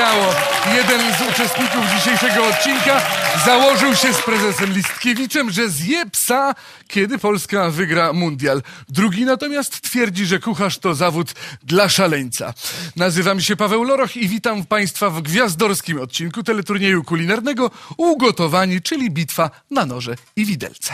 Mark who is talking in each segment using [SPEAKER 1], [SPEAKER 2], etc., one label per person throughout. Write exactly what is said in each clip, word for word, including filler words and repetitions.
[SPEAKER 1] śmiało. Jeden z uczestników dzisiejszego odcinka założył się z prezesem Listkiewiczem, że zje psa, kiedy Polska wygra mundial. Drugi natomiast twierdzi, że kucharz to zawód dla szaleńca. Nazywam się Paweł Loroch i witam Państwa w gwiazdorskim odcinku teleturnieju kulinarnego Ugotowani, czyli bitwa na noże i widelce.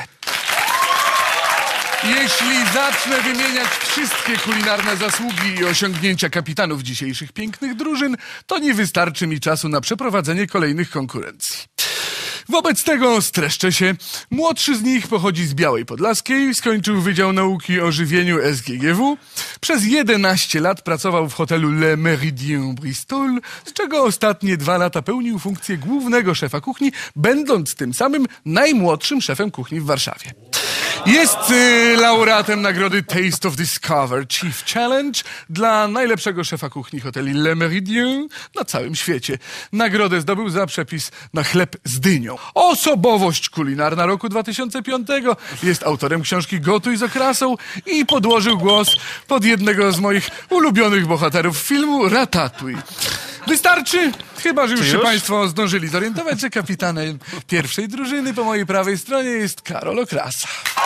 [SPEAKER 1] Jeśli zacznę wymieniać wszystkie kulinarne zasługi i osiągnięcia kapitanów dzisiejszych pięknych drużyn, to nie wystarczy mi czasu na przeprowadzenie kolejnych konkurencji. Wobec tego streszczę się. Młodszy z nich pochodzi z Białej Podlaskiej, skończył Wydział Nauki o Żywieniu S G G W. Przez jedenaście lat pracował w hotelu Le Méridien Bristol, z czego ostatnie dwa lata pełnił funkcję głównego szefa kuchni, będąc tym samym najmłodszym szefem kuchni w Warszawie. Jest y, laureatem nagrody Taste of Discover Chief Challenge dla najlepszego szefa kuchni hoteli Le Méridien na całym świecie. Nagrodę zdobył za przepis na chleb z dynią. Osobowość kulinarna roku dwa tysiące piątego. Jest autorem książki Gotuj z okrasą i podłożył głos pod jednego z moich ulubionych bohaterów filmu Ratatouille. Wystarczy? Chyba, że już, już się Państwo zdążyli zorientować, że kapitanem pierwszej drużyny po mojej prawej stronie jest Karol Okrasa.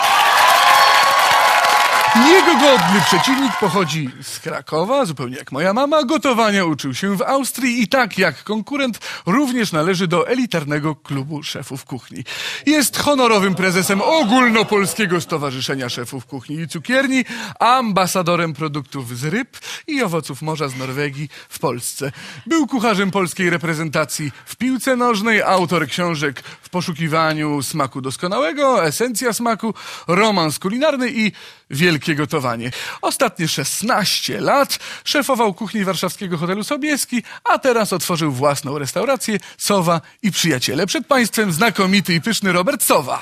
[SPEAKER 1] Jego godny przeciwnik pochodzi z Krakowa, zupełnie jak moja mama. Gotowania uczył się w Austrii i tak jak konkurent również należy do elitarnego klubu szefów kuchni. Jest honorowym prezesem Ogólnopolskiego Stowarzyszenia Szefów Kuchni i Cukierni, ambasadorem produktów z ryb i owoców morza z Norwegii w Polsce. Był kucharzem polskiej reprezentacji w piłce nożnej, autor książek W poszukiwaniu smaku doskonałego, Esencja smaku, Romans kulinarny i Wielkie gotowanie. Ostatnie szesnaście lat szefował kuchni warszawskiego hotelu Sobieski, a teraz otworzył własną restaurację Sowa i Przyjaciele. Przed Państwem znakomity i pyszny Robert Sowa.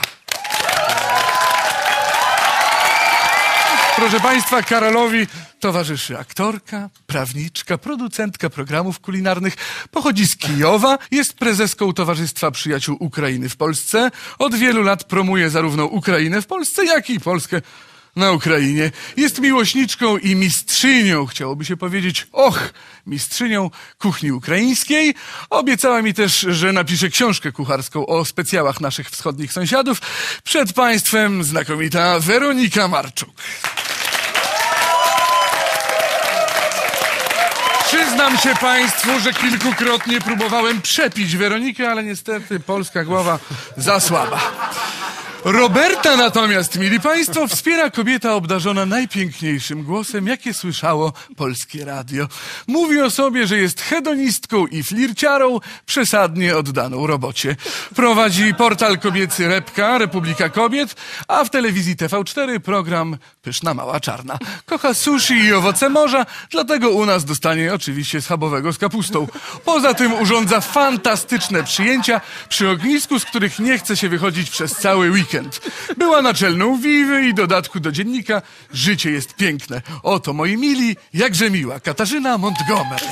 [SPEAKER 1] Proszę Państwa, Karolowi towarzyszy aktorka, prawniczka, producentka programów kulinarnych. Pochodzi z Kijowa, jest prezeską Towarzystwa Przyjaciół Ukrainy w Polsce. Od wielu lat promuje zarówno Ukrainę w Polsce, jak i Polskę na Ukrainie. Jest miłośniczką i mistrzynią, chciałoby się powiedzieć, och, mistrzynią kuchni ukraińskiej. Obiecała mi też, że napisze książkę kucharską o specjałach naszych wschodnich sąsiadów. Przed Państwem znakomita Weronika Marczuk. Przyznam się Państwu, że kilkukrotnie próbowałem przepić Weronikę, ale niestety polska głowa za słaba. Roberta natomiast, mili Państwo, wspiera kobieta obdarzona najpiękniejszym głosem, jakie słyszało polskie radio. Mówi o sobie, że jest hedonistką i flirciarą, przesadnie oddaną robocie. Prowadzi portal kobiecy Repka, Republika Kobiet, a w telewizji T V cztery program Pyszna Mała Czarna. Kocha sushi i owoce morza, dlatego u nas dostanie oczywiście schabowego z kapustą. Poza tym urządza fantastyczne przyjęcia przy ognisku, z których nie chce się wychodzić przez cały weekend. Była naczelną Wiwy i dodatku do dziennika Życie jest piękne. Oto, moi mili, jakże miła Katarzyna Montgomery.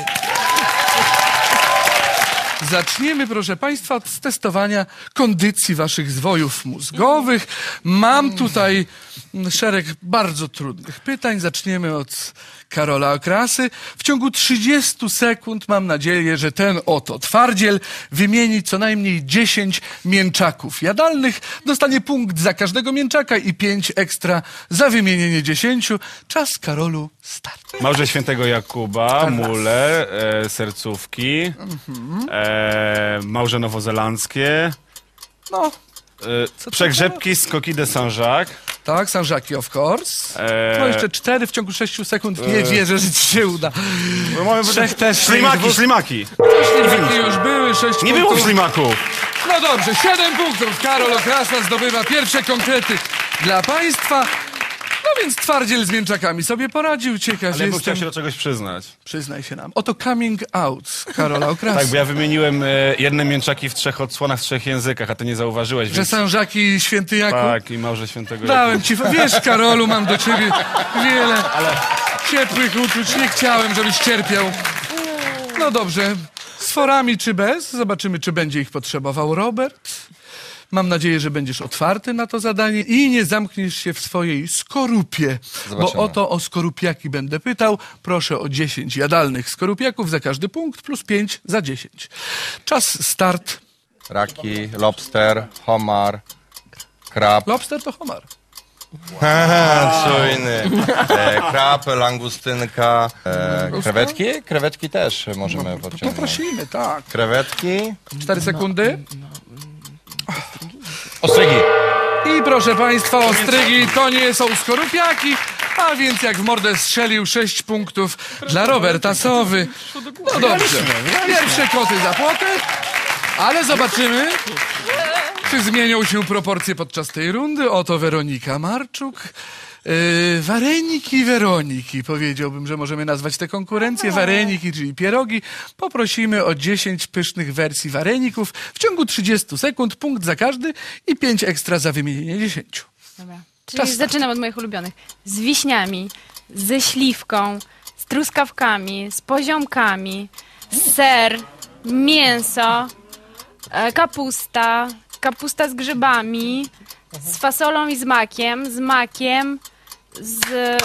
[SPEAKER 1] Zaczniemy, proszę Państwa, od testowania kondycji Waszych zwojów mózgowych. Mam tutaj szereg bardzo trudnych pytań. Zaczniemy od Karola Okrasy. W ciągu trzydziestu sekund mam nadzieję, że ten oto twardziel wymieni co najmniej dziesięć mięczaków jadalnych. Dostanie punkt za każdego mięczaka i pięć ekstra za wymienienie dziesięciu. Czas, Karolu, start.
[SPEAKER 2] Małże Świętego Jakuba, mule, e, sercówki, mhm. e, małże nowozelandzkie,
[SPEAKER 1] no,
[SPEAKER 2] e, przegrzebki z Coquille de Saint-Jacques.
[SPEAKER 1] Tak, Saint-Jacques, of course. Eee... No jeszcze cztery w ciągu sześciu sekund. Nie eee... wierzę, że ci się uda.
[SPEAKER 2] No, mamy Trzech też. Ślimaki, dwóch... ślimaki.
[SPEAKER 1] Ślimaki już były, sześć
[SPEAKER 2] Nie
[SPEAKER 1] punktów.
[SPEAKER 2] było ślimaków.
[SPEAKER 1] No dobrze, siedem punktów. Karol Okrasa zdobywa pierwsze konkrety dla Państwa. No więc twardziel z mięczakami sobie poradził. Ciekaw
[SPEAKER 2] Ale
[SPEAKER 1] jestem.
[SPEAKER 2] chciał się do czegoś przyznać.
[SPEAKER 1] Przyznaj się nam. Oto coming out Karola Okrasa.
[SPEAKER 2] Tak, bo ja wymieniłem e, jedne mięczaki w trzech odsłonach, w trzech językach, a ty nie zauważyłeś.
[SPEAKER 1] Że
[SPEAKER 2] więc...
[SPEAKER 1] Saint-Jacques i Święty Jakub?
[SPEAKER 2] Tak, i małże Świętego
[SPEAKER 1] Dałem
[SPEAKER 2] Jakuba.
[SPEAKER 1] ci, wiesz, Karolu, mam do ciebie wiele Ale... ciepłych uczuć. Nie chciałem, żebyś cierpiał. No dobrze. Z forami czy bez? Zobaczymy, czy będzie ich potrzebował Robert. Mam nadzieję, że będziesz otwarty na to zadanie i nie zamkniesz się w swojej skorupie.
[SPEAKER 3] Zobaczymy.
[SPEAKER 1] Bo oto o skorupiaki będę pytał. Proszę o dziesięć jadalnych skorupiaków za każdy punkt, plus pięć za dziesięć. Czas start.
[SPEAKER 3] Raki, lobster, homar, krab.
[SPEAKER 1] Lobster to homar.
[SPEAKER 3] Czujny. E, krab, langustynka, e, krewetki? Krewetki też możemy podciągnąć.
[SPEAKER 1] Poprosimy, tak.
[SPEAKER 3] Krewetki.
[SPEAKER 1] Cztery sekundy.
[SPEAKER 2] Ostrygi.
[SPEAKER 1] I proszę państwa, ostrygi to nie są skorupiaki, a więc jak w mordę strzelił sześć punktów dla Roberta Sowy. No dobrze, pierwsze koty za płotę, ale zobaczymy, czy zmienią się proporcje podczas tej rundy. Oto Weronika Marczuk. Yy, wareniki Weroniki, powiedziałbym, że możemy nazwać te konkurencje. Wareniki, czyli pierogi. Poprosimy o dziesięć pysznych wersji wareników w ciągu trzydziestu sekund, punkt za każdy i pięć ekstra za wymienienie dziesięciu.
[SPEAKER 4] Dobra.
[SPEAKER 1] Czas
[SPEAKER 4] Czyli zaczynam od moich ulubionych. Z wiśniami, ze śliwką, z truskawkami, z poziomkami, ser, mięso, e, kapusta, kapusta z grzybami, z fasolą i z makiem, z makiem, z...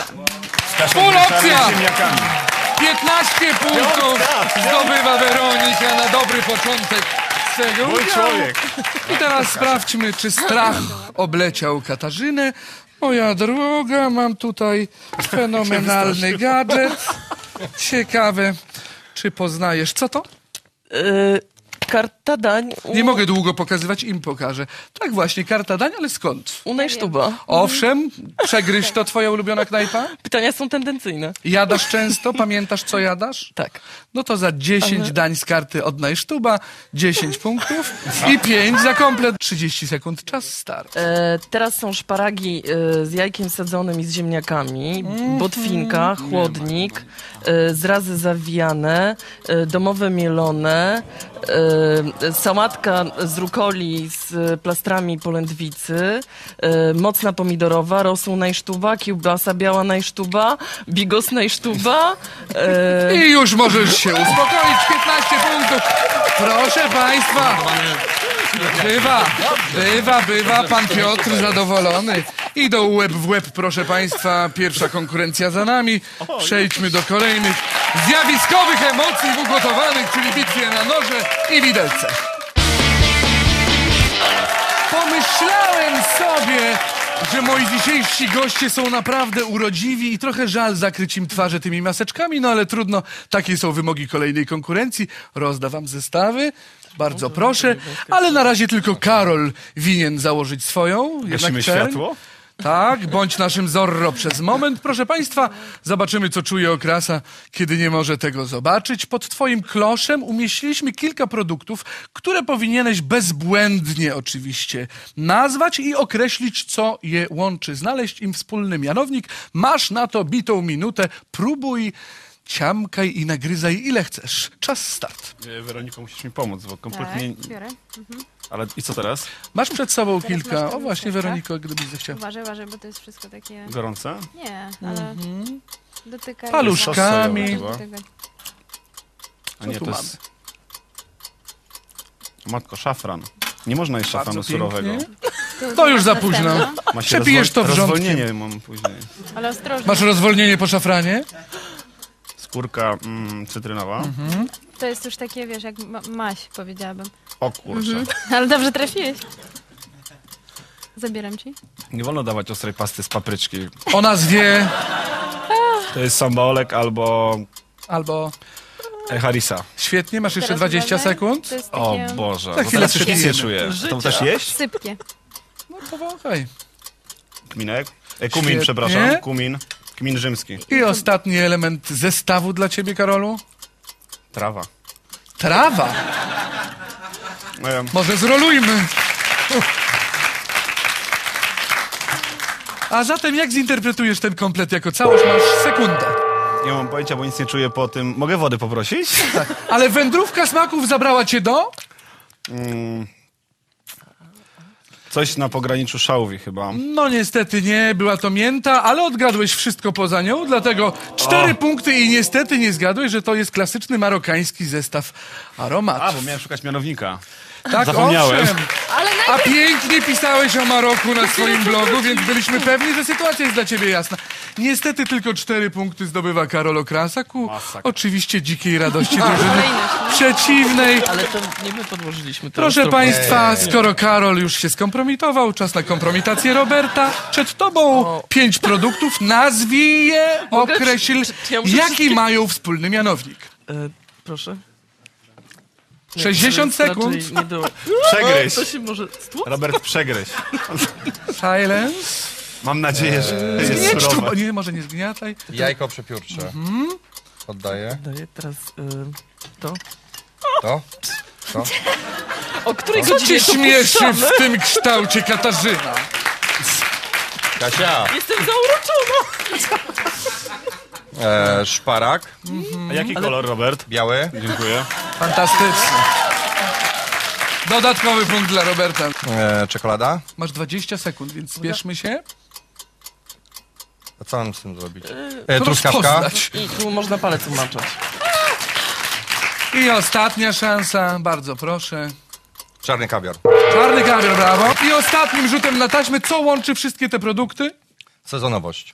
[SPEAKER 1] Full opcja! piętnaście punktów zdobywa Weronika na dobry początek swego
[SPEAKER 2] Mój
[SPEAKER 1] udziału.
[SPEAKER 2] człowiek.
[SPEAKER 1] I teraz sprawdźmy, czy strach obleciał Katarzynę. Moja droga, mam tutaj fenomenalny gadżet. Ciekawe, czy poznajesz. Co to?
[SPEAKER 5] Yy, karta dań u,
[SPEAKER 1] Nie mogę długo pokazywać, im pokażę. Tak właśnie, karta dań, ale skąd?
[SPEAKER 5] u Najsztuba.
[SPEAKER 1] Owszem, przegryź to twoja ulubiona knajpa?
[SPEAKER 5] Pytania są tendencyjne.
[SPEAKER 1] Jadasz często? Pamiętasz, co jadasz?
[SPEAKER 5] Tak.
[SPEAKER 1] No to za dziesięć dań z karty od Najsztuba, dziesięć punktów i pięć za komplet. trzydzieści sekund, czas start.
[SPEAKER 5] E, teraz są szparagi e, z jajkiem sadzonym i z ziemniakami, botwinka, chłodnik, e, zrazy zawijane, e, domowe mielone, e, sałatka z rukoli z plastrami polędwicy, e, mocna pomidorowa, rosół Najsztuba, kiełbasa biała Najsztuba, bigos Najsztuba. E,
[SPEAKER 1] I już możesz się uspokoić, piętnaście punktów. Proszę państwa. Bywa, bywa, bywa, pan Piotr zadowolony. Idą łeb w łeb, proszę państwa, pierwsza konkurencja za nami. Przejdźmy do kolejnych zjawiskowych emocji w ugotowanych, czyli bitwie na noże i widelce. Pomyślałem sobie, że moi dzisiejsi goście są naprawdę urodziwi i trochę żal zakryć im twarze tymi maseczkami, no ale trudno, takie są wymogi kolejnej konkurencji. Rozda wam zestawy, bardzo proszę, ale na razie tylko Karol winien założyć swoją.
[SPEAKER 2] Gasimy
[SPEAKER 1] czerń.
[SPEAKER 2] światło?
[SPEAKER 1] Tak, bądź naszym Zorro przez moment. Proszę państwa, zobaczymy, co czuje okrasa, kiedy nie może tego zobaczyć. Pod twoim kloszem umieściliśmy kilka produktów, które powinieneś bezbłędnie oczywiście nazwać i określić, co je łączy. Znaleźć im wspólny mianownik. Masz na to bitą minutę. Próbuj, ciamkaj i nagryzaj ile chcesz. Czas start.
[SPEAKER 2] E, Weroniko, musisz mi pomóc, bo kompletnie...
[SPEAKER 4] Tak, biorę.
[SPEAKER 2] Ale i co teraz?
[SPEAKER 1] Masz przed sobą
[SPEAKER 4] Teraz
[SPEAKER 1] kilka...
[SPEAKER 4] masz
[SPEAKER 1] O właśnie,
[SPEAKER 4] tego
[SPEAKER 1] Weroniko, gdybyś zechciała.
[SPEAKER 4] Uważaj, uważaj, bo to jest wszystko takie...
[SPEAKER 2] Gorące?
[SPEAKER 4] Nie, ale dotykaj...
[SPEAKER 1] Paluszkami.
[SPEAKER 2] Sosowe chyba.
[SPEAKER 4] Dotykaj.
[SPEAKER 2] A nie,
[SPEAKER 1] tu
[SPEAKER 2] to jest... Matko, szafran. Nie można jeść szafranu
[SPEAKER 1] Bardzo
[SPEAKER 2] surowego.
[SPEAKER 1] pięknie.
[SPEAKER 4] Tu
[SPEAKER 1] To już za
[SPEAKER 4] następna.
[SPEAKER 1] późno.
[SPEAKER 2] Ma się
[SPEAKER 1] Przepijesz to
[SPEAKER 2] rozwol-
[SPEAKER 1] wrzątkiem.
[SPEAKER 2] Rozwolnienie mam później.
[SPEAKER 4] Ale ostrożnie.
[SPEAKER 1] Masz rozwolnienie po szafranie?
[SPEAKER 2] Skórka mm, cytrynowa.
[SPEAKER 4] To jest już takie, wiesz, jak ma maś, powiedziałabym.
[SPEAKER 2] O kurczę.
[SPEAKER 4] Ale dobrze trafiłeś. Zabieram ci.
[SPEAKER 2] Nie wolno dawać ostrej pasty z papryczki.
[SPEAKER 1] O nazwie
[SPEAKER 2] To jest sambaolek albo
[SPEAKER 1] albo...
[SPEAKER 2] e, harissa.
[SPEAKER 1] Świetnie, masz jeszcze
[SPEAKER 4] Teraz
[SPEAKER 1] dwadzieścia
[SPEAKER 4] uważaj.
[SPEAKER 1] sekund.
[SPEAKER 4] To jest
[SPEAKER 2] O
[SPEAKER 4] takie
[SPEAKER 2] Boże.
[SPEAKER 1] Za
[SPEAKER 2] Bo
[SPEAKER 1] chwilę
[SPEAKER 2] teraz już nic nie
[SPEAKER 1] przepijemy.
[SPEAKER 2] czuję.
[SPEAKER 5] Życia.
[SPEAKER 2] To też jeść?
[SPEAKER 4] sypkie.
[SPEAKER 1] No powąchaj.
[SPEAKER 2] Kminek? E, kumin,
[SPEAKER 1] Świetnie.
[SPEAKER 2] przepraszam. Kumin. Kmin rzymski.
[SPEAKER 1] I ostatni element zestawu dla ciebie, Karolu.
[SPEAKER 2] Trawa.
[SPEAKER 1] Trawa.
[SPEAKER 2] E,
[SPEAKER 1] Może zrolujmy. A zatem jak zinterpretujesz ten komplet jako całość? Masz sekundę.
[SPEAKER 2] nie mam pojęcia, bo nic nie czuję po tym. Mogę wody poprosić?
[SPEAKER 1] Tak. Ale wędrówka smaków zabrała cię do?
[SPEAKER 2] Mm. Coś na pograniczu szałwi chyba.
[SPEAKER 1] No niestety nie, była to mięta, ale odgadłeś wszystko poza nią, dlatego cztery
[SPEAKER 2] O.
[SPEAKER 1] punkty i niestety nie zgadłeś, że to jest klasyczny marokański zestaw aromatów.
[SPEAKER 2] A, bo miałem szukać mianownika.
[SPEAKER 1] Tak,
[SPEAKER 2] Zapomniałem.
[SPEAKER 1] owszem.
[SPEAKER 4] Ale
[SPEAKER 1] A
[SPEAKER 4] najpierw...
[SPEAKER 1] pięknie pisałeś o Maroku na swoim blogu, więc byliśmy pewni, że sytuacja jest dla ciebie jasna. Niestety tylko cztery punkty zdobywa Karol Okrasa ku
[SPEAKER 2] Masakra.
[SPEAKER 1] oczywiście dzikiej radości drużyny
[SPEAKER 4] Kolejność, no.
[SPEAKER 1] przeciwnej.
[SPEAKER 5] Ale to nie my podłożyliśmy. to
[SPEAKER 1] Proszę
[SPEAKER 5] już to-
[SPEAKER 1] Państwa, skoro Karol już się skompromitował, czas na kompromitację Roberta. Przed Tobą pięć produktów, nazwij je,
[SPEAKER 5] Mogę?
[SPEAKER 1] określ,
[SPEAKER 5] Czy- czy ja muszę
[SPEAKER 1] jaki
[SPEAKER 5] wszystkie-
[SPEAKER 1] mają wspólny mianownik.
[SPEAKER 5] E, proszę. Nie,
[SPEAKER 1] sześćdziesiąt
[SPEAKER 5] to jest
[SPEAKER 1] sekund.
[SPEAKER 5] raczej Nie do...
[SPEAKER 2] Przegryź.
[SPEAKER 5] To się może... stłuc?
[SPEAKER 2] Robert, przegryź.
[SPEAKER 1] Silence.
[SPEAKER 2] Mam nadzieję, że jest
[SPEAKER 1] Nie, tu,
[SPEAKER 2] surowe.
[SPEAKER 1] nie, może nie zgniataj.
[SPEAKER 3] Jajko przepiórcze. Oddaję.
[SPEAKER 5] Daję teraz y, to.
[SPEAKER 3] To? To?
[SPEAKER 5] O której
[SPEAKER 1] Co
[SPEAKER 5] godzinie
[SPEAKER 1] cię
[SPEAKER 5] to
[SPEAKER 1] śmieszy
[SPEAKER 5] puszczamy?
[SPEAKER 1] w tym kształcie, Katarzyna?
[SPEAKER 3] Kasia.
[SPEAKER 5] Jestem zauroczona.
[SPEAKER 3] E, szparak.
[SPEAKER 2] A jaki kolor, Robert?
[SPEAKER 3] Biały.
[SPEAKER 2] Dziękuję.
[SPEAKER 1] Fantastycznie. Dodatkowy punkt dla Roberta.
[SPEAKER 3] E, czekolada.
[SPEAKER 1] Masz dwadzieścia sekund, więc spieszmy się.
[SPEAKER 3] A co mam z tym zrobić? E, truskawka.
[SPEAKER 1] Rozpoznać.
[SPEAKER 5] I tu można palec umaczać.
[SPEAKER 1] I ostatnia szansa, bardzo proszę.
[SPEAKER 3] Czarny kawior.
[SPEAKER 1] Czarny kawior, brawo. I ostatnim rzutem na taśmę, co łączy wszystkie te produkty?
[SPEAKER 3] Sezonowość.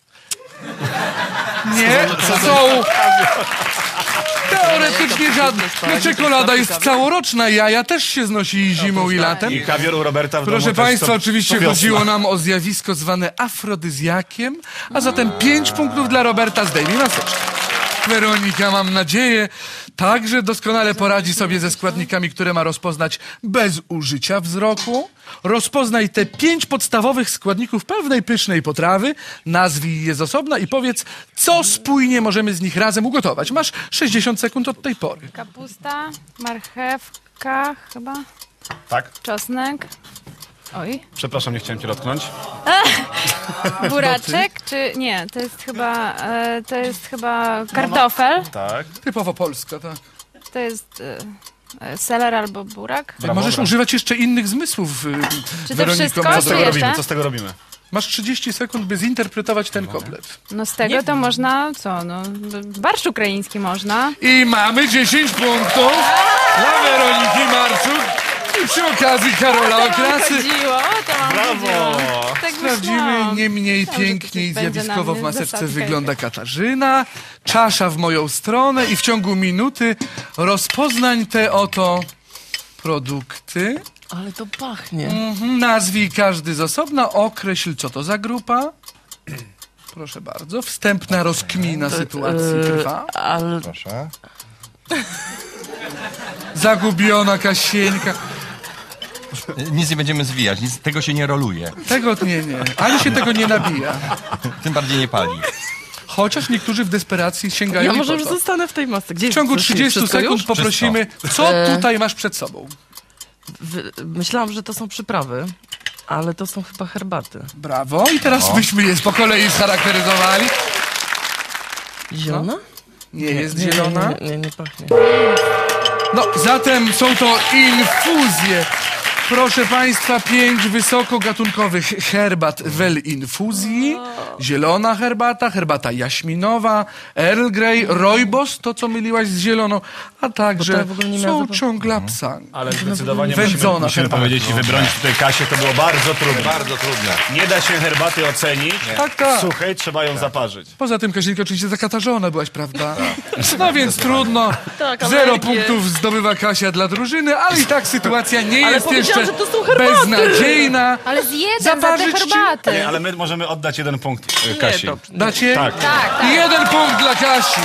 [SPEAKER 1] Nie, są... Teoretycznie żadne. No, czekolada jest całoroczna, jaja też się znosi i zimą i latem.
[SPEAKER 2] I kawior u Roberta w
[SPEAKER 1] Proszę
[SPEAKER 2] domu też
[SPEAKER 1] Państwa,
[SPEAKER 2] to-
[SPEAKER 1] oczywiście
[SPEAKER 2] to wiosna.
[SPEAKER 1] chodziło nam o zjawisko zwane afrodyzjakiem, a zatem pięć punktów dla Roberta, zdejmij maseczkę. Weronika, mam nadzieję, także doskonale poradzi sobie ze składnikami, które ma rozpoznać bez użycia wzroku. Rozpoznaj te pięć podstawowych składników pewnej pysznej potrawy, nazwij je z osobna i powiedz, co spójnie możemy z nich razem ugotować. Masz sześćdziesiąt sekund od tej pory.
[SPEAKER 4] Kapusta, marchewka chyba,
[SPEAKER 2] Tak?
[SPEAKER 4] czosnek. Oj.
[SPEAKER 2] Przepraszam, nie chciałem cię dotknąć.
[SPEAKER 4] Buraczek, czy nie, to jest chyba, e, to jest chyba kartofel,
[SPEAKER 2] Tak.
[SPEAKER 1] Typowo polska, tak.
[SPEAKER 4] to jest e, e, seler albo burak.
[SPEAKER 2] Brawo,
[SPEAKER 1] Możesz
[SPEAKER 2] brawo.
[SPEAKER 1] używać jeszcze innych zmysłów, y,
[SPEAKER 4] Czy to
[SPEAKER 1] Weroniko.
[SPEAKER 4] wszystko,
[SPEAKER 1] Masz-
[SPEAKER 2] Co z tego
[SPEAKER 4] czy
[SPEAKER 2] robimy?
[SPEAKER 4] jeszcze?
[SPEAKER 2] Co z tego robimy?
[SPEAKER 1] Masz trzydzieści sekund, by zinterpretować ten komplet.
[SPEAKER 4] No z tego to można, co, no, b- barszcz ukraiński można.
[SPEAKER 1] I mamy dziesięć punktów dla Weroniki Marczuk. I przy okazji Karola
[SPEAKER 4] To wam
[SPEAKER 1] Okrasy
[SPEAKER 4] chodziło, to wam
[SPEAKER 2] Brawo!
[SPEAKER 4] chodziło. Tak
[SPEAKER 1] sprawdzimy
[SPEAKER 4] myślałam.
[SPEAKER 1] nie mniej
[SPEAKER 4] Myślałam, że to
[SPEAKER 1] pięknie i
[SPEAKER 4] coś będzie
[SPEAKER 1] zjawiskowo
[SPEAKER 4] na
[SPEAKER 1] w
[SPEAKER 4] mnie
[SPEAKER 1] maseczce
[SPEAKER 4] zasadka
[SPEAKER 1] wygląda
[SPEAKER 4] jakaś.
[SPEAKER 1] Katarzyna. Czasza w moją stronę i w ciągu minuty rozpoznań te oto produkty.
[SPEAKER 5] Ale to pachnie.
[SPEAKER 1] Mhm, nazwij każdy z osobna, określ co to za grupa. Proszę bardzo, wstępna rozkmina sytuacji
[SPEAKER 5] E,
[SPEAKER 1] trwa.
[SPEAKER 5] ale
[SPEAKER 3] Proszę.
[SPEAKER 1] Zagubiona Kasieńka.
[SPEAKER 6] Nic nie będziemy zwijać, nic, tego się nie roluje,
[SPEAKER 1] Tego nie, nie. Ani się tego nie nabija.
[SPEAKER 6] tym bardziej nie pali.
[SPEAKER 1] Chociaż niektórzy w desperacji sięgają
[SPEAKER 5] ja
[SPEAKER 1] i
[SPEAKER 5] może
[SPEAKER 1] po
[SPEAKER 5] już
[SPEAKER 1] to.
[SPEAKER 5] zostanę w tej masce. Gdzie
[SPEAKER 1] W ciągu
[SPEAKER 5] wrócimy?
[SPEAKER 1] trzydziestu
[SPEAKER 5] Wszystko
[SPEAKER 1] sekund
[SPEAKER 5] już?
[SPEAKER 1] poprosimy, co
[SPEAKER 5] E.
[SPEAKER 1] tutaj masz przed sobą.
[SPEAKER 5] Wy- Myślałam, że to są przyprawy, ale to są chyba herbaty.
[SPEAKER 1] Brawo. I teraz byśmy je po kolei scharakteryzowali.
[SPEAKER 5] Zielona?
[SPEAKER 1] Nie jest zielona.
[SPEAKER 5] Nie, nie, nie, nie pachnie.
[SPEAKER 1] No, zatem są to infuzje. Proszę Państwa, pięć wysokogatunkowych herbat wel infuzji. Zielona herbata, herbata jaśminowa, Earl Grey, rooibos, to co myliłaś z zieloną, a także
[SPEAKER 5] Bo to w ogóle nie miała
[SPEAKER 1] są
[SPEAKER 5] zapachu.
[SPEAKER 1] ciąglapsang.
[SPEAKER 2] Ale zdecydowanie musimy,
[SPEAKER 1] Wędzona
[SPEAKER 2] musimy
[SPEAKER 1] herbata.
[SPEAKER 2] powiedzieć i wybronić tutaj Kasię, to było bardzo trudne.
[SPEAKER 3] Bardzo trudne.
[SPEAKER 2] Nie da się herbaty ocenić.
[SPEAKER 1] Tak, tak.
[SPEAKER 2] Suchej, trzeba ją zaparzyć.
[SPEAKER 1] Poza tym, Kazinka, oczywiście zakatarzona byłaś, prawda? No więc trudno.
[SPEAKER 5] Tak,
[SPEAKER 1] Zero
[SPEAKER 5] alergie.
[SPEAKER 1] punktów zdobywa Kasia dla drużyny, ale i tak sytuacja nie
[SPEAKER 5] Ale
[SPEAKER 1] jest
[SPEAKER 5] powiedziałam,
[SPEAKER 1] jeszcze
[SPEAKER 5] że to są herbaty.
[SPEAKER 1] beznadziejna.
[SPEAKER 4] Ale zjedzą za te
[SPEAKER 1] Zaparzyć ci?
[SPEAKER 4] herbaty.
[SPEAKER 2] Nie, ale my możemy oddać jeden punkt y, Kasi.
[SPEAKER 5] to-
[SPEAKER 1] Dacie?
[SPEAKER 2] Tak.
[SPEAKER 4] Tak, tak.
[SPEAKER 1] Jeden punkt dla Kasi.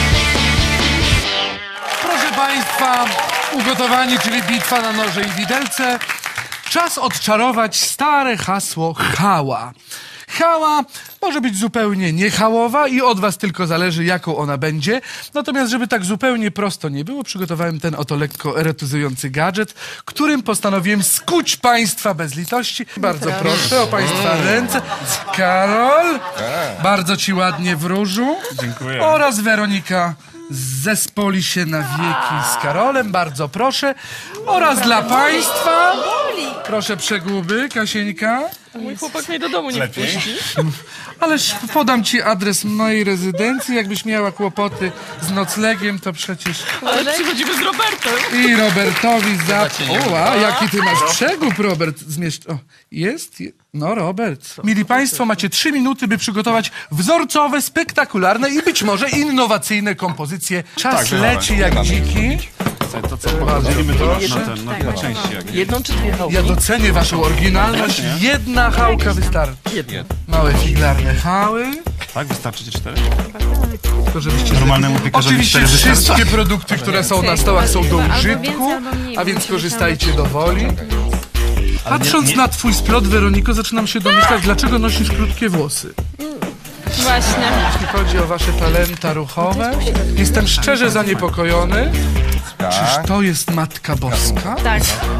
[SPEAKER 1] Proszę Państwa, ugotowanie, czyli bitwa na noże i widelce. Czas odczarować stare hasło hała. Hała może być zupełnie niehałowa i od was tylko zależy, jaką ona będzie. Natomiast, żeby tak zupełnie prosto nie było, przygotowałem ten oto lekko erotyzujący gadżet, którym postanowiłem skuć państwa bez litości. Bardzo proszę o państwa ręce. Karol, bardzo ci ładnie wróżu.
[SPEAKER 2] Dziękuję.
[SPEAKER 1] Oraz Weronika zespoli się na wieki z Karolem, bardzo proszę. Oraz dla państwa Proszę przeguby, Kasieńka.
[SPEAKER 5] Mój chłopak mnie do domu nie
[SPEAKER 2] Lepiej?
[SPEAKER 5] wpuści.
[SPEAKER 1] Ależ podam ci adres mojej rezydencji. Jakbyś miała kłopoty z noclegiem, to przecież
[SPEAKER 5] Ale przychodzimy z Robertem.
[SPEAKER 1] i Robertowi za...
[SPEAKER 3] cię nie
[SPEAKER 1] Oła, jaki ty masz przegub, Robert. Zmieszcz... O, jest? Je- No, Robert. Mili Państwo, macie trzy minuty, by przygotować wzorcowe, spektakularne i być może innowacyjne kompozycje. Czas
[SPEAKER 2] Tak,
[SPEAKER 1] leci jak dziki.
[SPEAKER 2] To co, podzielimy to na, ten, na, na części. Jak
[SPEAKER 5] Jedną czy dwie chałki?
[SPEAKER 1] Ja docenię waszą oryginalność. Jedna chałka wystarczy.
[SPEAKER 5] Jedna.
[SPEAKER 1] Małe figlarne chały.
[SPEAKER 2] Tak, wystarczy ci cztery?
[SPEAKER 1] To żebyście
[SPEAKER 2] Normalnemu piekarzowi
[SPEAKER 1] Oczywiście
[SPEAKER 2] cztery wystarczy.
[SPEAKER 1] wszystkie produkty, które są na stołach są do
[SPEAKER 4] Albo
[SPEAKER 1] użytku,
[SPEAKER 4] więcej, albo mniej,
[SPEAKER 1] a
[SPEAKER 4] bo
[SPEAKER 1] więc
[SPEAKER 4] musimy
[SPEAKER 1] korzystajcie
[SPEAKER 4] tam-
[SPEAKER 1] do woli. Patrząc na twój splot, Weroniko, zaczynam się domyślać, dlaczego nosisz krótkie włosy.
[SPEAKER 4] Właśnie.
[SPEAKER 1] Jeśli chodzi o wasze talenta ruchowe, jestem szczerze zaniepokojony. Czyż to jest Matka Boska?
[SPEAKER 4] Tak.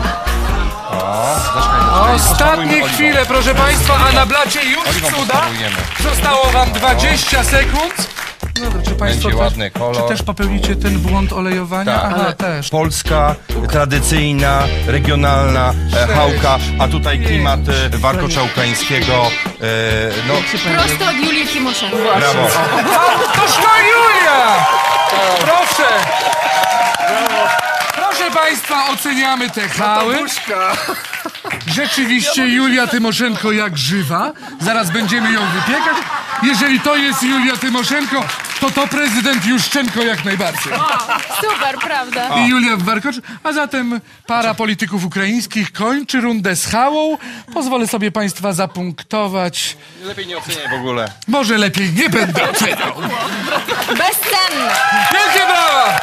[SPEAKER 1] Ostatnie chwile, proszę Państwa, a na blacie już
[SPEAKER 3] Oliwą
[SPEAKER 1] cuda.
[SPEAKER 3] posmarujemy.
[SPEAKER 1] Zostało wam dwadzieścia sekund. No to czy Państwo
[SPEAKER 3] Będzie
[SPEAKER 1] też,
[SPEAKER 3] ładny kolor.
[SPEAKER 1] czy też popełnicie ten błąd olejowania?
[SPEAKER 3] Tak.
[SPEAKER 1] Aha, też.
[SPEAKER 3] Polska, tradycyjna, regionalna e, chałka, a tutaj klimat e, warkocza-ukraińskiego. E, no,
[SPEAKER 4] Prosto od Julii Timoszenko.
[SPEAKER 3] brawo.
[SPEAKER 1] Toż to Julia! Proszę! Proszę Państwa, oceniamy te chały. Rzeczywiście Julia Tymoszenko jak żywa. Zaraz będziemy ją wypiekać. Jeżeli to jest Julia Tymoszenko, to to prezydent Juszczenko jak najbardziej.
[SPEAKER 4] Super, prawda?
[SPEAKER 1] I Julia w warkoczu. A zatem para polityków ukraińskich kończy rundę z chałą. Pozwolę sobie Państwa zapunktować.
[SPEAKER 3] Lepiej nie oceniaj w ogóle.
[SPEAKER 1] Może lepiej nie będę oceniał.
[SPEAKER 4] Bezcenne.
[SPEAKER 1] Wielkie brawa!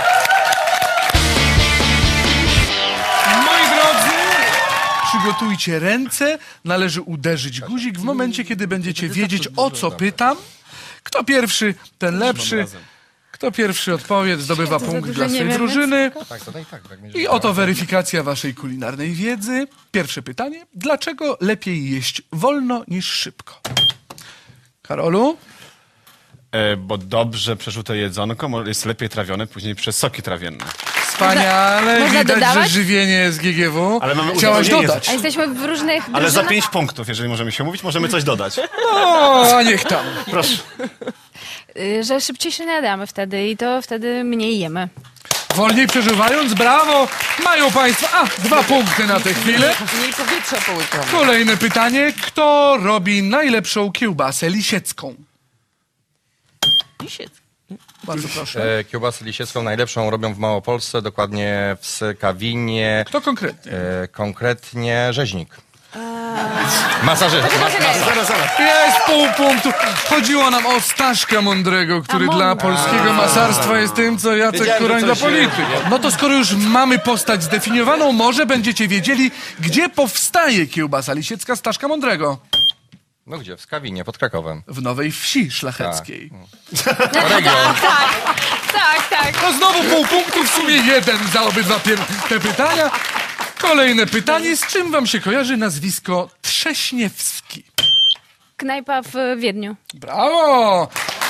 [SPEAKER 1] Moi drodzy, przygotujcie ręce. Należy uderzyć guzik w momencie, kiedy będziecie wiedzieć, o co pytam. Kto pierwszy, ten lepszy. Kto pierwszy odpowie, zdobywa punkt
[SPEAKER 4] dużo
[SPEAKER 1] dla
[SPEAKER 4] nie
[SPEAKER 1] swojej
[SPEAKER 4] wiem,
[SPEAKER 1] drużyny.
[SPEAKER 3] Tak, to tak, tak.
[SPEAKER 1] I oto weryfikacja waszej kulinarnej wiedzy. Pierwsze pytanie. Dlaczego lepiej jeść wolno niż szybko? Karolu?
[SPEAKER 2] E, bo dobrze przeżute jedzonko mo- jest lepiej trawione później przez soki trawienne.
[SPEAKER 1] Wspaniale.
[SPEAKER 4] Można
[SPEAKER 1] Widać,
[SPEAKER 4] dodawać?
[SPEAKER 1] że żywienie z G G W.
[SPEAKER 2] Ale mamy
[SPEAKER 1] Chciałaś
[SPEAKER 2] uzupełnienie.
[SPEAKER 1] dodać.
[SPEAKER 4] A jesteśmy w różnych
[SPEAKER 2] Ale za
[SPEAKER 4] drużynach?
[SPEAKER 2] pięć punktów, jeżeli możemy się mówić, możemy coś dodać.
[SPEAKER 1] O, a niech tam.
[SPEAKER 2] Proszę.
[SPEAKER 4] Y, Że szybciej się najadamy wtedy i to wtedy mniej jemy.
[SPEAKER 1] Wolniej przeżywając, brawo! Mają Państwo, a, dwa punkty na tę chwilę.
[SPEAKER 5] Mniej powietrza połykamy.
[SPEAKER 1] Kolejne pytanie. Kto robi najlepszą kiełbasę lisiecką?
[SPEAKER 5] Lisiec.
[SPEAKER 1] Bardzo proszę.
[SPEAKER 3] E, kiełbasę lisiecką najlepszą robią w Małopolsce, dokładnie w Skawinie,
[SPEAKER 1] Kto konkretnie?
[SPEAKER 3] e, konkretnie Rzeźnik. Masażysta.
[SPEAKER 2] Zaraz, zaraz.
[SPEAKER 1] Jest pół punktu. Chodziło nam o Staszka Mądrego, który
[SPEAKER 4] A,
[SPEAKER 1] dla
[SPEAKER 4] mądry.
[SPEAKER 1] polskiego masarstwa jest tym, co Jacek
[SPEAKER 3] Wiedziałem, że
[SPEAKER 1] Kurań dla
[SPEAKER 3] coś
[SPEAKER 1] polityki. No to skoro już mamy postać zdefiniowaną, może będziecie wiedzieli, gdzie powstaje kiełbasa lisiecka Staszka Mądrego.
[SPEAKER 3] No gdzie? W Skawinie, pod Krakowem.
[SPEAKER 1] W Nowej Wsi Szlacheckiej.
[SPEAKER 3] Region.
[SPEAKER 4] Tak, tak.
[SPEAKER 1] No znowu pół punktu, w sumie jeden za obydwa pier- te pytania. Kolejne pytanie. Z czym wam się kojarzy nazwisko Trześniewski?
[SPEAKER 4] Knajpa w Wiedniu.
[SPEAKER 1] Brawo!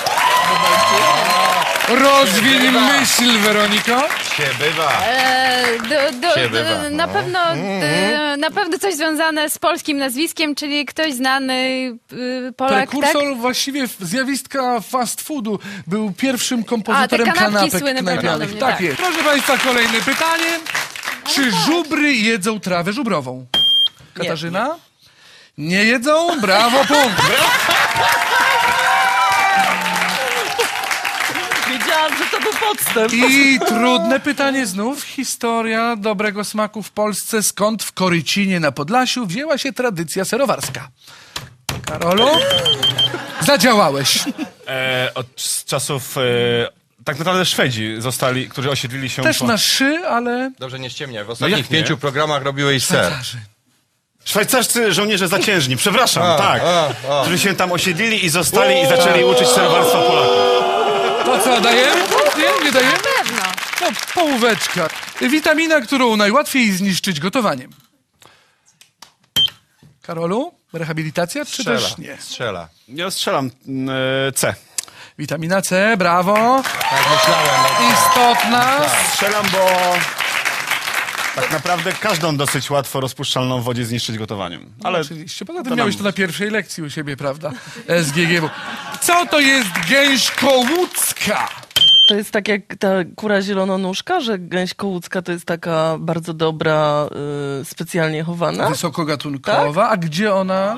[SPEAKER 1] Rozwiń myśl, Weroniko.
[SPEAKER 3] Się bywa.
[SPEAKER 4] E, do, do,
[SPEAKER 3] Się
[SPEAKER 4] do,
[SPEAKER 3] bywa,
[SPEAKER 4] na,
[SPEAKER 3] no.
[SPEAKER 4] pewno, e, na pewno coś związane z polskim nazwiskiem, czyli ktoś znany y, Polak, tak?
[SPEAKER 1] Prekursor właściwie zjawiska fast foodu. Był pierwszym kompozytorem
[SPEAKER 4] A, te kanapki
[SPEAKER 1] kanapek
[SPEAKER 4] słynne
[SPEAKER 1] knajpianych.
[SPEAKER 4] prawdopodobnie,
[SPEAKER 1] Tak
[SPEAKER 4] tak.
[SPEAKER 1] jest. Proszę Państwa, kolejne pytanie. Czy żubry jedzą trawę żubrową? Katarzyna? Nie jedzą? Brawo, punkt.
[SPEAKER 5] Wiedziałam, że to był podstęp.
[SPEAKER 1] I trudne pytanie znów. Historia dobrego smaku w Polsce. Skąd w Korycinie na Podlasiu wzięła się tradycja serowarska? Karolu? Zadziałałeś.
[SPEAKER 2] E, od z czasów... E, tak naprawdę Szwedzi zostali, którzy osiedlili się...
[SPEAKER 1] Też
[SPEAKER 2] po-
[SPEAKER 1] na szy, ale...
[SPEAKER 3] Dobrze, nie ściemniaj. W ostatnich
[SPEAKER 2] jak nie?
[SPEAKER 3] pięciu programach robiłeś ser.
[SPEAKER 1] Tatarzy.
[SPEAKER 2] Szwajcarscy żołnierze zaciężni, przepraszam,
[SPEAKER 3] A,
[SPEAKER 2] tak.
[SPEAKER 3] a, a.
[SPEAKER 2] Którzy się tam osiedlili i zostali i zaczęli uczyć serowarstwa Polaków.
[SPEAKER 1] To co, dajemy? Nie, nie dajemy?
[SPEAKER 4] Pewno.
[SPEAKER 1] No, połóweczka. Witamina, którą najłatwiej zniszczyć gotowaniem. Karolu? Rehabilitacja, czy
[SPEAKER 3] Strzela.
[SPEAKER 1] też nie?
[SPEAKER 3] Strzela.
[SPEAKER 2] Ja strzelam e, C.
[SPEAKER 1] Witamina C, brawo.
[SPEAKER 3] Tak myślałem. No.
[SPEAKER 1] Istotna.
[SPEAKER 2] Strzelam, bo Tak naprawdę każdą dosyć łatwo rozpuszczalną w wodzie zniszczyć gotowaniem.
[SPEAKER 1] Ale
[SPEAKER 2] Ale
[SPEAKER 1] oczywiście, poza tym
[SPEAKER 2] to
[SPEAKER 1] miałeś
[SPEAKER 2] nam-
[SPEAKER 1] to na pierwszej lekcji u siebie, prawda? S G G W. Co to jest gęś kołucka?
[SPEAKER 5] To jest tak jak ta kura zielononóżka, że gęś kołucka to jest taka bardzo dobra, y, specjalnie chowana.
[SPEAKER 1] Wysokogatunkowa. A gdzie ona?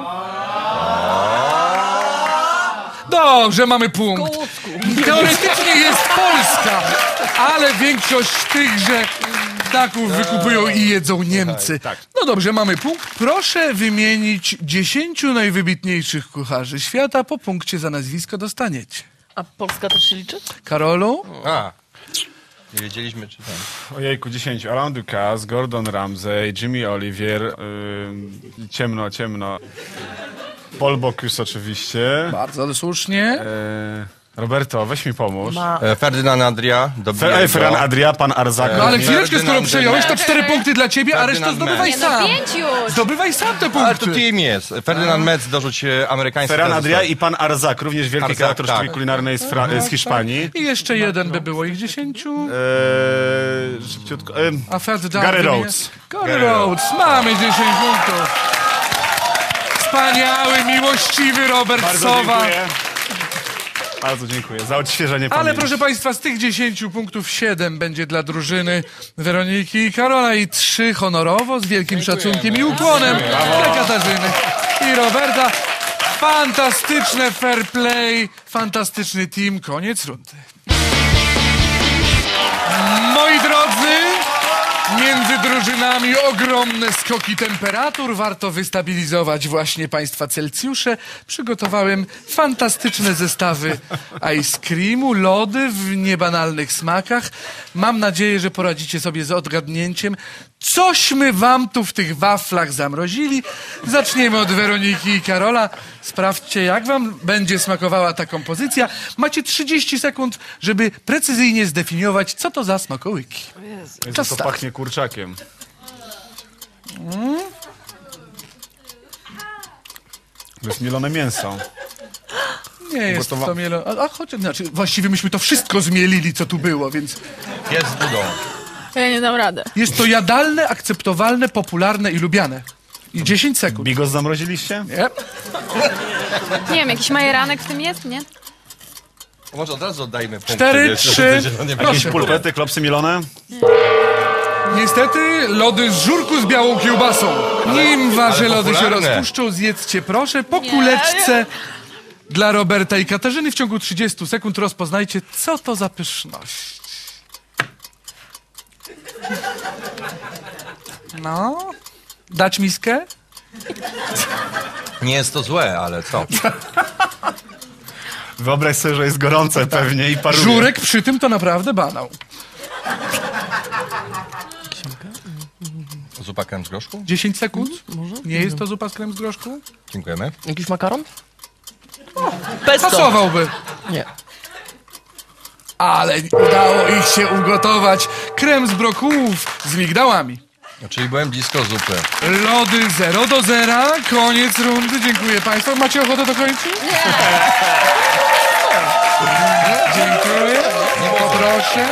[SPEAKER 1] Dobrze, mamy punkt. Teoretycznie jest Polska, ale większość tychże ptaków wykupują i jedzą Niemcy.
[SPEAKER 2] tak.
[SPEAKER 1] No dobrze, mamy punkt. Proszę wymienić dziesięciu najwybitniejszych kucharzy świata. Po punkcie za nazwisko dostaniecie.
[SPEAKER 5] A Polska też się liczy?
[SPEAKER 1] Karolu?
[SPEAKER 3] A, nie wiedzieliśmy, czy tam.
[SPEAKER 2] ojejku, dziesięciu. Alain Ducasse, Gordon Ramsay, Jimmy Olivier, yy, ciemno, ciemno. Paul Bocuse oczywiście.
[SPEAKER 1] Bardzo słusznie.
[SPEAKER 2] E, Roberto, weź mi pomóż.
[SPEAKER 5] Ma...
[SPEAKER 3] E, Ferdynand Adria,
[SPEAKER 2] Fe,
[SPEAKER 3] Dobiego.
[SPEAKER 2] ej, Ferran Adria, pan Arzak.
[SPEAKER 1] No ale
[SPEAKER 3] nie.
[SPEAKER 1] chwileczkę, skoro
[SPEAKER 3] Ferdynand
[SPEAKER 1] przejąłeś, to
[SPEAKER 3] Mendes.
[SPEAKER 1] cztery punkty dla ciebie, a resztę
[SPEAKER 3] Ferdynand
[SPEAKER 1] zdobywaj
[SPEAKER 4] Nie no,
[SPEAKER 1] sam.
[SPEAKER 4] pięć już.
[SPEAKER 1] Zdobywaj sam te
[SPEAKER 3] Ale to
[SPEAKER 1] punkty.
[SPEAKER 3] team jest. Ferdynand Metz dorzuć e, amerykański.
[SPEAKER 2] Ferran
[SPEAKER 3] prezes.
[SPEAKER 2] Adria i pan Arzak, również wielki
[SPEAKER 3] Arzak,
[SPEAKER 2] kreator sztuki
[SPEAKER 3] tak.
[SPEAKER 2] kulinarnej z, Fra- z Hiszpanii.
[SPEAKER 1] I jeszcze jeden by było ich dziesięciu.
[SPEAKER 2] Eee, szybciutko. Eee,
[SPEAKER 1] A Ferdynand...
[SPEAKER 2] Gary
[SPEAKER 1] wymienia-
[SPEAKER 2] Rhodes.
[SPEAKER 1] Gary Rhodes. Mamy dziesięć punktów. Wspaniały, miłościwy Robert
[SPEAKER 2] bardzo
[SPEAKER 1] Sowa.
[SPEAKER 2] dziękuję. Bardzo dziękuję za odświeżenie
[SPEAKER 1] Ale
[SPEAKER 2] pamięci.
[SPEAKER 1] proszę Państwa, z tych dziesięciu punktów siedem będzie dla drużyny Weroniki i Karola i trzy honorowo, z wielkim szacunkiem i ukłonem dla Katarzyny i Roberta. Fantastyczne fair play, fantastyczny team, koniec rundy. Moi drodzy, między drużynami ogromne skoki temperatur. Warto wystabilizować właśnie Państwa Celsjusze. Przygotowałem fantastyczne zestawy ice creamu, lody w niebanalnych smakach. Mam nadzieję, że poradzicie sobie z odgadnięciem, cośmy wam tu w tych waflach zamrozili. Zaczniemy od Weroniki i Karola. Sprawdźcie, jak wam będzie smakowała ta kompozycja. Macie trzydzieści sekund, żeby precyzyjnie zdefiniować, co to za smakołyki.
[SPEAKER 2] Jezu,
[SPEAKER 1] Czas
[SPEAKER 2] to
[SPEAKER 1] start.
[SPEAKER 2] pachnie kurczakiem. To jest mielone mięso.
[SPEAKER 1] Nie jest
[SPEAKER 2] Gotowa-
[SPEAKER 1] to mielo... A, a choć, znaczy, właściwie myśmy to wszystko zmielili, co tu było, więc
[SPEAKER 3] Jest z budą.
[SPEAKER 4] Ja nie dam rady.
[SPEAKER 1] jest to jadalne, akceptowalne, popularne i lubiane. I dziesięć sekund.
[SPEAKER 2] Bigos zamroziliście?
[SPEAKER 1] Nie?
[SPEAKER 4] Nie wiem, jakiś majeranek w tym jest, nie?
[SPEAKER 3] Może od razu oddajmy punkt.
[SPEAKER 1] Cztery,
[SPEAKER 3] wiesz,
[SPEAKER 1] trzy,
[SPEAKER 3] że to nie
[SPEAKER 1] proszę.
[SPEAKER 3] będzie
[SPEAKER 2] Pulpety, klopsy mielone?
[SPEAKER 1] Niestety lody z żurku z białą kiełbasą. Nim wasze
[SPEAKER 3] ale
[SPEAKER 1] lody się
[SPEAKER 3] popularne.
[SPEAKER 1] rozpuszczą, zjedzcie proszę po kuleczce dla Roberta i Katarzyny. W ciągu trzydziestu sekund rozpoznajcie, co to za pyszność. No, dać miskę?
[SPEAKER 3] Nie jest to złe, ale co?
[SPEAKER 2] Wyobraź sobie, że jest gorące pewnie i paruje.
[SPEAKER 1] Żurek przy tym to naprawdę banał.
[SPEAKER 3] Zupa krem z groszku?
[SPEAKER 1] dziesięć sekund? Nie jest to zupa z krem z groszku?
[SPEAKER 3] Dziękujemy.
[SPEAKER 5] Jakiś makaron? Pesto!
[SPEAKER 1] Pasowałby.
[SPEAKER 5] Nie.
[SPEAKER 1] Ale udało ich się ugotować. Krem z brokułów z migdałami.
[SPEAKER 3] No, czyli byłem blisko zupy.
[SPEAKER 1] Lody zero do zera. Koniec rundy. Dziękuję Państwu. Macie ochotę dokończyć? Nie. Dziękuję. Poproszę.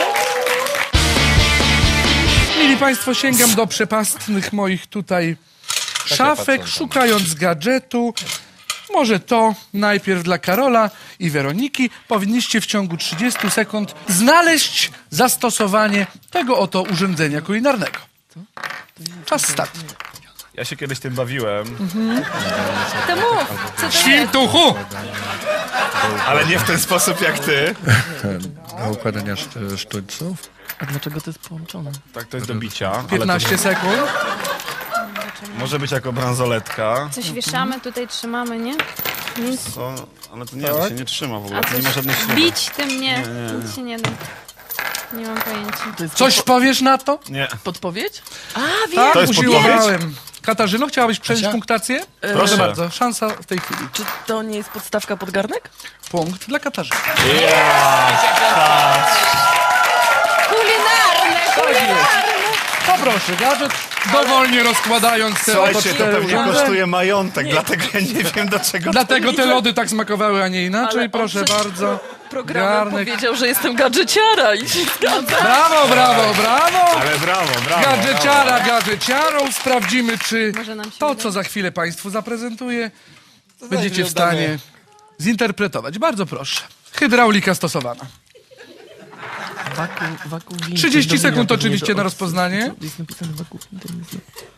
[SPEAKER 1] Mili Państwo, sięgam do przepastnych moich tutaj szafek,
[SPEAKER 3] patrzą tam.
[SPEAKER 1] szukając gadżetu. Może to najpierw dla Karola i Weroniki. Powinniście w ciągu trzydziestu sekund znaleźć zastosowanie tego oto urządzenia kulinarnego. Czas start.
[SPEAKER 2] Ja się kiedyś tym bawiłem,
[SPEAKER 4] To mów, co to jest?
[SPEAKER 1] Świntuchu!
[SPEAKER 2] ale nie w ten sposób jak ty.
[SPEAKER 7] Do układania szty- sztućców.
[SPEAKER 5] A dlaczego to jest połączone?
[SPEAKER 2] Tak, to jest do bicia. Ale
[SPEAKER 1] piętnaście sekund.
[SPEAKER 2] to może być jako bransoletka.
[SPEAKER 4] Coś wieszamy, tutaj trzymamy, nie? Nic.
[SPEAKER 2] To, ale to nie, to się nie trzyma w ogóle,
[SPEAKER 4] A
[SPEAKER 2] to nie ma
[SPEAKER 4] coś
[SPEAKER 2] żadnej śruby.
[SPEAKER 4] bić tym nie, nic się nie da. Nie mam pojęcia.
[SPEAKER 5] To jest
[SPEAKER 1] Coś powiesz na to?
[SPEAKER 2] Nie.
[SPEAKER 5] podpowiedź?
[SPEAKER 1] Tak,
[SPEAKER 2] To jest
[SPEAKER 1] usiłowałem. Katarzyno, chciałabyś przejąć
[SPEAKER 3] Kasia?
[SPEAKER 1] punktację?
[SPEAKER 5] E,
[SPEAKER 2] Proszę
[SPEAKER 1] Bardzo. Szansa w tej chwili.
[SPEAKER 5] Czy to nie jest podstawka pod garnek?
[SPEAKER 1] Punkt dla Katarzyny.
[SPEAKER 4] Kulinarne, kulinarne!
[SPEAKER 1] Poproszę. proszę, gadżet, dowolnie rozkładając te oto
[SPEAKER 8] Słuchajcie, to
[SPEAKER 1] cztery
[SPEAKER 8] pewnie
[SPEAKER 1] urządzenia.
[SPEAKER 8] kosztuje majątek, dlatego ja nie wiem do czego to
[SPEAKER 1] Dlatego te lody tak smakowały, a nie inaczej.
[SPEAKER 5] Ale on
[SPEAKER 1] Proszę
[SPEAKER 5] przed
[SPEAKER 1] bardzo.
[SPEAKER 5] Programem
[SPEAKER 1] Garnek.
[SPEAKER 5] powiedział, że jestem gadżeciara i się zgadza.
[SPEAKER 1] Brawo, brawo, brawo!
[SPEAKER 8] Ale brawo, brawo.
[SPEAKER 1] Gadżeciara, gadżeciarą. Sprawdzimy, czy
[SPEAKER 4] Może nam się
[SPEAKER 1] to,
[SPEAKER 4] uda.
[SPEAKER 1] co za chwilę Państwu zaprezentuję, będziecie w stanie zinterpretować. Bardzo proszę. Hydraulika stosowana.
[SPEAKER 5] Waku, waku winter,
[SPEAKER 1] trzydzieści
[SPEAKER 5] do
[SPEAKER 1] sekund
[SPEAKER 5] wina,
[SPEAKER 1] oczywiście
[SPEAKER 5] do-
[SPEAKER 1] na rozpoznanie.
[SPEAKER 5] Jest napisane waku winter, jest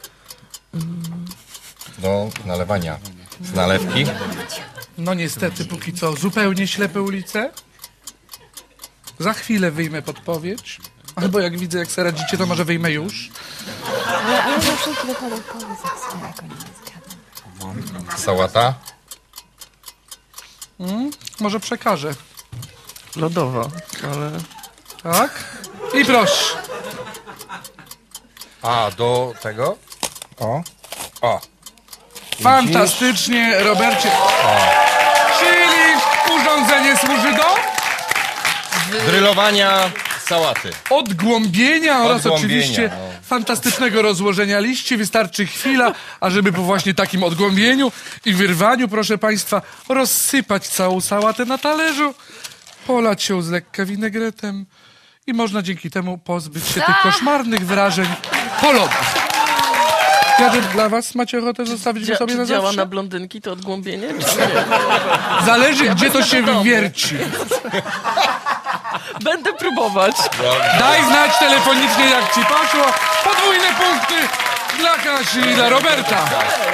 [SPEAKER 3] Do nalewania z nalewki.
[SPEAKER 1] No niestety, póki co zupełnie ślepe ulice. Za chwilę wyjmę podpowiedź. Albo jak widzę, jak sobie radzicie, to może wyjmę już.
[SPEAKER 4] Ja, ja za wszelki wypadek powiedz, jak sobie jako nie zgadzam.
[SPEAKER 3] Sałata.
[SPEAKER 1] Może przekażę.
[SPEAKER 5] lodowa, ale...
[SPEAKER 1] Tak? I proszę.
[SPEAKER 3] A, do tego? O. O.
[SPEAKER 1] Fantastycznie, Robercie. Czyli urządzenie służy do
[SPEAKER 3] Drylowania sałaty.
[SPEAKER 1] odgłębienia oraz
[SPEAKER 3] Odgłębienia,
[SPEAKER 1] oczywiście
[SPEAKER 3] no.
[SPEAKER 1] fantastycznego rozłożenia liści. Wystarczy chwila, ażeby po właśnie takim odgłębieniu i wyrwaniu, proszę Państwa, rozsypać całą sałatę na talerzu, polać ją z lekka winegretem i można dzięki temu pozbyć się tych koszmarnych wrażeń po lodach. Gadżet dla Was. Macie ochotę zostawić go
[SPEAKER 5] Dzia-
[SPEAKER 1] sobie na
[SPEAKER 5] czy działa
[SPEAKER 1] zawsze?
[SPEAKER 5] na blondynki to odgłębienie, czy nie?
[SPEAKER 1] Zależy, gdzie to się
[SPEAKER 5] do domu.
[SPEAKER 1] wierci.
[SPEAKER 5] Będę próbować.
[SPEAKER 1] Daj znać telefonicznie, jak Ci poszło. Podwójne punkty dla Kasi i dla Roberta.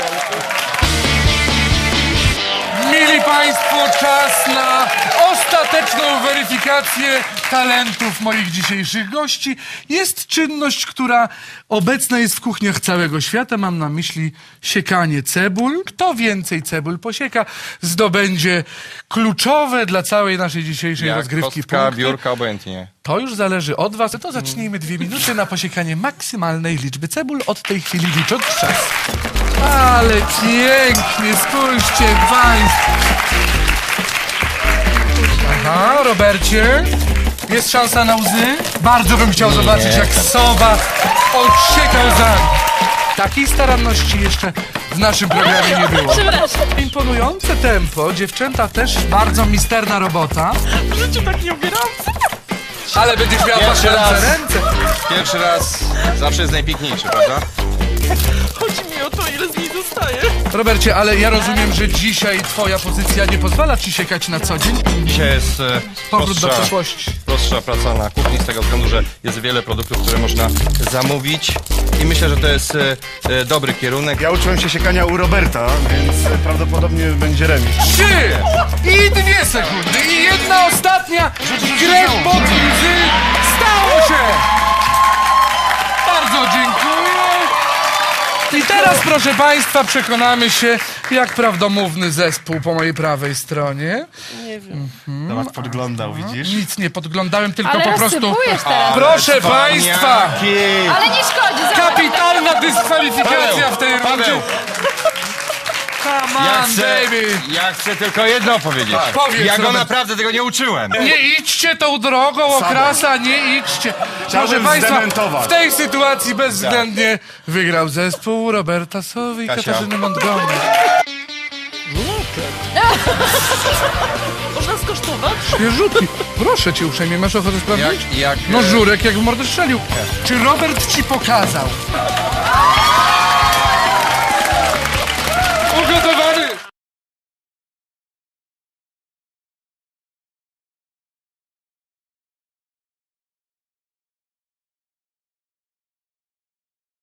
[SPEAKER 1] Mili Państwo, czas na ostateczną weryfikację talentów moich dzisiejszych gości. Jest czynność, która obecna jest w kuchniach całego świata. Mam na myśli siekanie cebul. Kto więcej cebul posieka, zdobędzie kluczowe dla całej naszej dzisiejszej
[SPEAKER 3] Jak
[SPEAKER 1] rozgrywki
[SPEAKER 3] kostka,
[SPEAKER 1] punkty.
[SPEAKER 3] biurka, obojętnie.
[SPEAKER 1] To już zależy od Was. To zacznijmy dwie minuty na posiekanie maksymalnej liczby cebul. Od tej chwili licząc czas. Ale pięknie, spójrzcie Państwo. Aha, Robercie, jest szansa na łzy? Bardzo bym chciał zobaczyć, jak sowa odsieka łzami. Takiej staranności jeszcze w naszym programie nie było. Imponujące tempo, dziewczęta też bardzo misterna robota.
[SPEAKER 5] W życiu tak nie ubieram.
[SPEAKER 1] Ale będziesz miała
[SPEAKER 3] Pierwszy
[SPEAKER 1] patrzeć
[SPEAKER 3] raz.
[SPEAKER 1] ręce.
[SPEAKER 3] Pierwszy raz zawsze jest najpiękniejszy, prawda?
[SPEAKER 5] Chodzi mi o to, ile z niej zostaje.
[SPEAKER 1] Robercie, ale ja rozumiem, że dzisiaj twoja pozycja nie pozwala ci siekać na co dzień.
[SPEAKER 3] Dzisiaj jest e,
[SPEAKER 1] Powrót do
[SPEAKER 3] prostsza,
[SPEAKER 1] przeszłości.
[SPEAKER 3] prostsza praca na kuchni z tego względu, że jest wiele produktów, które można zamówić i myślę, że to jest e, e, dobry kierunek.
[SPEAKER 8] Ja uczyłem się siekania u Roberta, więc prawdopodobnie będzie remis.
[SPEAKER 1] Trzy i dwie sekundy i jedna ostatnia. Krew pod łzy. Stało się. Bardzo dziękuję. I teraz, proszę Państwa, przekonamy się, jak prawdomówny zespół po mojej prawej stronie.
[SPEAKER 5] Nie wiem.
[SPEAKER 8] Zobacz, podglądał, widzisz?
[SPEAKER 1] Nic nie podglądałem, tylko
[SPEAKER 4] Ale
[SPEAKER 1] po prostu...
[SPEAKER 4] rozsypujesz teraz.
[SPEAKER 1] Proszę Państwa,
[SPEAKER 4] Ale nie szkodzi, zobacz.
[SPEAKER 1] kapitalna dyskwalifikacja w tej rundzie.
[SPEAKER 3] Paweł,
[SPEAKER 1] Come
[SPEAKER 3] ja
[SPEAKER 1] on,
[SPEAKER 3] chcę,
[SPEAKER 1] baby.
[SPEAKER 3] ja chcę tylko jedno powiedzieć.
[SPEAKER 1] Powiedz,
[SPEAKER 3] Ja go
[SPEAKER 1] Robert.
[SPEAKER 3] naprawdę tego nie uczyłem.
[SPEAKER 1] Nie idźcie tą drogą, okrasa, nie idźcie. Proszę Państwa,
[SPEAKER 8] zdementować.
[SPEAKER 1] w tej sytuacji bezwzględnie wygrał zespół Roberta Sowy i
[SPEAKER 3] Kasia.
[SPEAKER 1] Katarzyny Montgomery.
[SPEAKER 5] Można skosztować?
[SPEAKER 1] Świeżutki. Proszę Cię uprzejmie, masz ochotę sprawdzić?
[SPEAKER 3] Jak, jak,
[SPEAKER 1] No
[SPEAKER 3] e,
[SPEAKER 1] żurek jak w mordę strzelił. Czy Robert Ci pokazał,